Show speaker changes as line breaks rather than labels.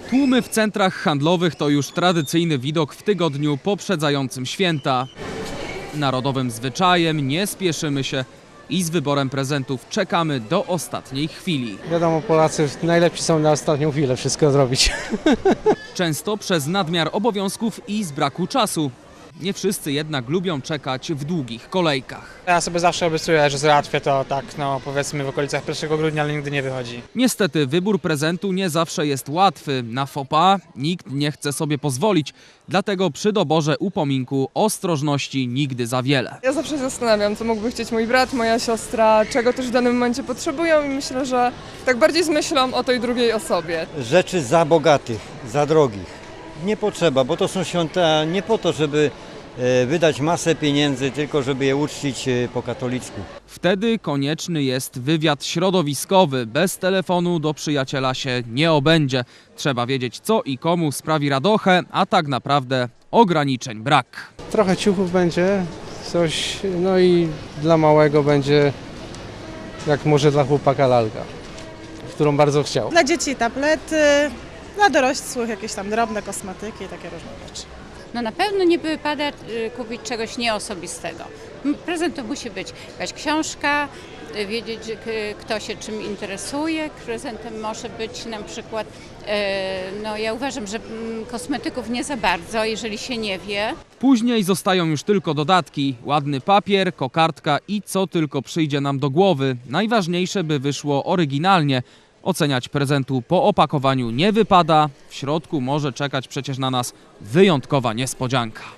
Tłumy w centrach handlowych to już tradycyjny widok w tygodniu poprzedzającym święta. Narodowym zwyczajem nie spieszymy się i z wyborem prezentów czekamy do ostatniej chwili.
Wiadomo, Polacy najlepsi są na ostatnią chwilę wszystko zrobić.
Często przez nadmiar obowiązków i z braku czasu. Nie wszyscy jednak lubią czekać w długich kolejkach.
Ja sobie zawsze obiecuję, że załatwię to tak, powiedzmy w okolicach 1 grudnia, ale nigdy nie wychodzi.
Niestety wybór prezentu nie zawsze jest łatwy. Na faux pas nikt nie chce sobie pozwolić, dlatego przy doborze upominku ostrożności nigdy za wiele.
Ja zawsze się zastanawiam, co mógłby chcieć mój brat, moja siostra, czego też w danym momencie potrzebują i myślę, że tak bardziej z myślą o tej drugiej osobie.
Rzeczy za bogatych, za drogich. Nie potrzeba, bo to są święta nie po to, żeby wydać masę pieniędzy, tylko żeby je uczcić po katolicku.
Wtedy konieczny jest wywiad środowiskowy. Bez telefonu do przyjaciela się nie obędzie. Trzeba wiedzieć, co i komu sprawi radochę, a tak naprawdę ograniczeń brak.
Trochę ciuchów będzie, coś, no i dla małego będzie, jak może dla chłopaka, lalka, którą bardzo chciał.
Dla dzieci tablety, dla dorosłych jakieś tam drobne kosmetyki i takie różne rzeczy.
No na pewno nie wypada kupić czegoś nieosobistego. Prezent to musi być jakaś książka, wiedzieć, kto się czym interesuje. Prezentem może być na przykład, ja uważam, że kosmetyków nie za bardzo, jeżeli się nie wie.
Później zostają już tylko dodatki. Ładny papier, kokardka i co tylko przyjdzie nam do głowy. Najważniejsze, by wyszło oryginalnie. Oceniać prezentu po opakowaniu nie wypada. W środku może czekać przecież na nas wyjątkowa niespodzianka.